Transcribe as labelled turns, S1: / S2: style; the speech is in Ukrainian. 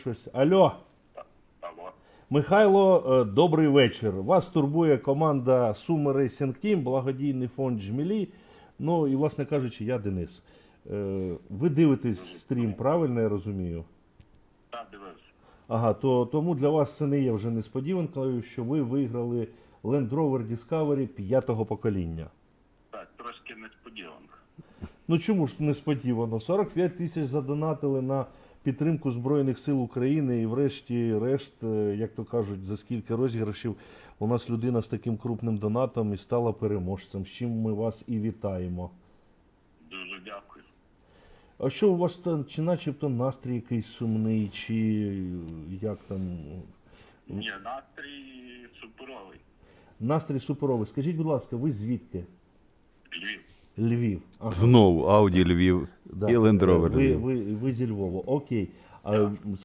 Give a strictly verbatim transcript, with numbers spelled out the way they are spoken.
S1: Щось. Алло,
S2: Алло.
S1: Михайло, е, добрий вечір. Вас турбує команда Суми Racing Team, благодійний фонд Жмілі. Ну і, власне кажучи, я Денис. Е, Ви дивитесь стрім, правильно я розумію?
S2: Так, дивився.
S1: Ага, то тому для вас це не є вже несподіванкою, що ви виграли Land Rover Discovery п'ятого покоління.
S2: Так, трошки несподіванка.
S1: Ну чому ж несподівано? сорок п'ять тисяч задонатили на підтримку Збройних сил України і врешті-решт, е, як то кажуть, за скільки розіграшів у нас людина з таким крупним донатом і стала переможцем, з чим ми вас і вітаємо.
S2: Дуже дякую.
S1: А що у вас там, чи начебто настрій якийсь сумний, чи як там?
S2: Ні, настрій суперовий.
S1: Настрій суперовий. Скажіть, будь ласка, ви звідки?
S2: Львів.
S1: Львів. Ага.
S3: Знову Ауді Львів
S1: Да.
S3: і Land Rover
S1: ви,
S3: Львів.
S1: ви, ви зі Львова. Окей. А